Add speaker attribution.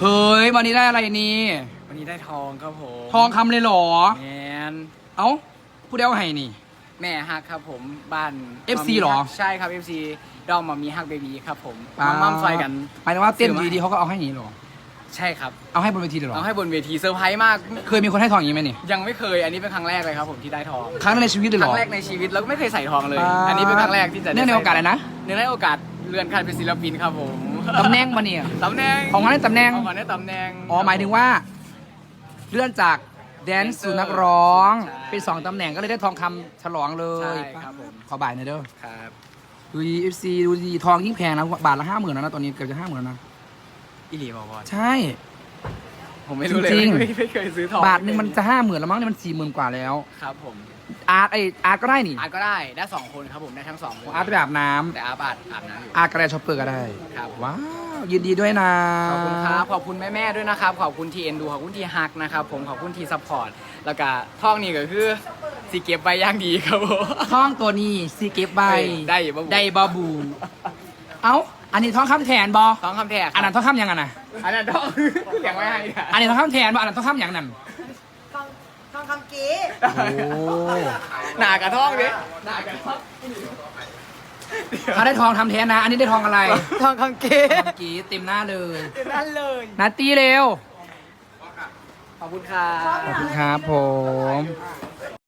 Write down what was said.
Speaker 1: เฮ้ยวันนี้ได้อะไรนี่
Speaker 2: วันนี้ได้ทองครับผม
Speaker 1: ทองคำเลยเหรอ
Speaker 2: แมน
Speaker 1: เอ้าผู้เดียวให้นี่
Speaker 2: แม่ฮักครับผมบ้าน
Speaker 1: FC หรอ
Speaker 2: ใช่ครับ FC ดอมมามีฮักเบบีครับผมมั่มซอยกัน
Speaker 1: หมายถึงว่าเต้นดีๆเขาก็เอาให้นี่หรอ
Speaker 2: ใช่ครับ
Speaker 1: เอาให้บนเวทีเลยหรอ
Speaker 2: เอาให้บนเวทีเซอร์ไพรส์มาก
Speaker 1: เคยมีคนให้ทองอย่างนี้ไหมนี่
Speaker 2: ยังไม่เคยอันนี้เป็นครั้งแรกเลยครับผมที่ได้ทอง
Speaker 1: ครั้งแรกในชีวิตเลยหรอ
Speaker 2: ครั้งแรกในชีวิตแล้วก็ไม่เคยใส่ทองเลยอันนี้เป็นครั้งแรกที่จะ
Speaker 1: เนื่องในโอกาสอะไรนะ
Speaker 2: เนื่องในโอกาสเลื่อนขั้นเป็นศิลปินครับผม
Speaker 1: ตำแหน่งมาเนี่ย
Speaker 2: ตำแหน่ง
Speaker 1: ของมันได้ตำแหน่ง
Speaker 2: ของมันได้ตำแหน่ง
Speaker 1: อ๋อหมายถึงว่าเลื่อนจากแดนซ์สู่นักร้องเป็น2ตำแหน่งก็เลยได้ทองคำฉลองเลย
Speaker 2: ใช่ครับผม
Speaker 1: ขอบ่ายหน่อยเด้อ
Speaker 2: ครับ
Speaker 1: ดูดี FC ดูดีทองยิ่งแพงนะบาทละ50,000แล้วนะตอนนี้เกือบจะ50,000แล้วนะ
Speaker 2: อิลีบอกว่า
Speaker 1: ใช่
Speaker 2: ผมไม่รู้เลยไม่เคยซื้อทอง
Speaker 1: บาทหนึ่งมันจะ50,000แล้วมั้งเนี่ยมัน40,000กว่าแล้ว
Speaker 2: ครับผม
Speaker 1: อาร์ตก็ได้นี่
Speaker 2: อาร์ตก็ได้2คนครับผมได้ทั้ง2คน
Speaker 1: อาร์ตไปอาบน้ำ
Speaker 2: แต่อาร์ตอาบน้ำอยู่
Speaker 1: อาร์ตก็ได้ช็อปเปอร์ก็ได้
Speaker 2: ครับ
Speaker 1: ว้าวยินดีด้วยนะ
Speaker 2: ขอบคุณครับขอบคุณแม่ๆด้วยนะครับขอบคุณที่เอ็นดูขอบคุณที่ฮักนะครับผมขอบคุณที่ซัพพอร์ตแล้วก็ท่องนี่ก็คือสีเก็บใบย่างดีครับผม
Speaker 1: ท่องตัวนี้ซีเก็บใบได้บาบูเอ้าอันนี้ท่องคำแทนบอ
Speaker 2: ท่องคำแทน
Speaker 1: อันนั้นท่องคำยังไงนะ
Speaker 2: อันนั้นท่องอย่างไม่ให้
Speaker 1: อันนี้ท่องคำแทนบออันนั้นท่องคำยังนั่น
Speaker 3: ทองคำกี้
Speaker 1: โอ้
Speaker 2: หนากระท่องดิหนากระท่อง
Speaker 1: เขาได้ทองทำแทนนะอันนี้ได้ทองอะไร
Speaker 2: ทองคำกี้
Speaker 1: เต็มหน้าเลย
Speaker 2: เต็มหน้าเลย
Speaker 1: นัตตี้เร็ว
Speaker 2: ขอบคุณครับ
Speaker 1: ขอบคุณครับผม